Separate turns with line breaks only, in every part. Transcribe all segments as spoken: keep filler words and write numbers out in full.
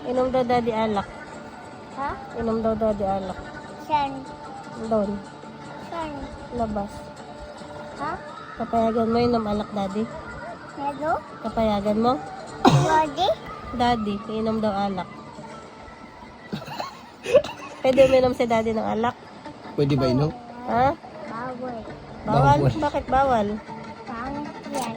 Inom daw daddy alak.
Ha?
Inom daw daddy alak.
Saan?
Doon.
Saan?
Labas.
Ha?
Kapayagan mo inom alak daddy.
Hello?
Kapayagan mo?
Daddy?
Daddy, inom daw alak. Pwede uminom si daddy ng alak?
Pwede ba inom?
Ha?
Bawal.
Bawal?
Bawal.
Bakit bawal?
Pangit yan.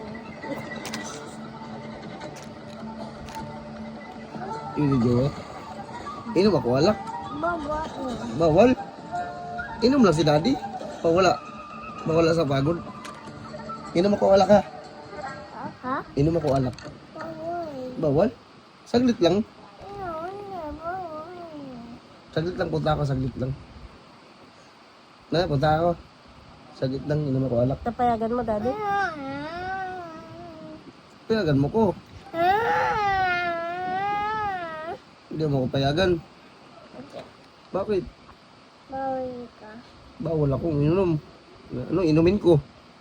Yun yung jowa. Inom ako alak.
Bawal.
Bawal. Inom lang si daddy. Pawala. Mawala sa pagod. Inom ako alak ha.
Ha?
Inom ako alak.
Bawal.
Bawal. Saglit lang.
Ano? Ano? Bawal.
Saglit lang punta ako. Saglit lang. Na, punta ako. Saglit lang. Inom ako alak.
Kapayagan mo daddy?
Payagan mo ko. Hindi mo ako payagan. Bakit?
Bawal ka.
Bawal akong inom. Ano, inumin ko?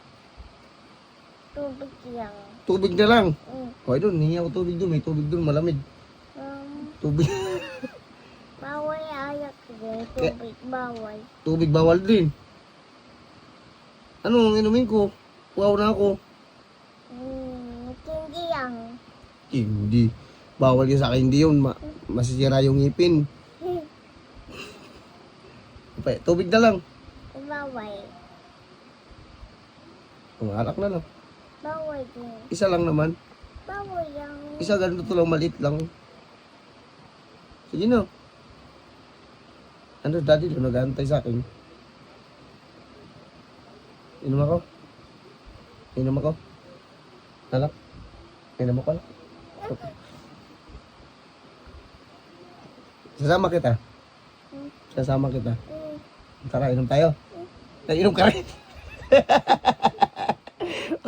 Tubig lang.
Tubig na lang.
Mm.
Okay doon, hingi ako tubig doon. May tubig doon, malamig.
Um,
Tubig.
bawal ayak din. Tubig bawal.
Tubig bawal din. Ano ang inumin ko? Wow na ako.
Hmm, hindi lang.
Hindi. Bawal yun sa akin. Hindi yun. Ma masisira yung ngipin. Okay, tubig na lang.
Bawal.
Umalak na lang.
Bawal din.
Isa lang naman.
Bawal lang.
Isa ganito lang, maliit lang. Sige na. Ano, daddy doon nag-aantay sa akin. Inom ako. Inom ako. Anak. Inom ako lang. Sasama kita. Sasama kita.
Hmm.
Tara, inom tayo. Nainom ka rin.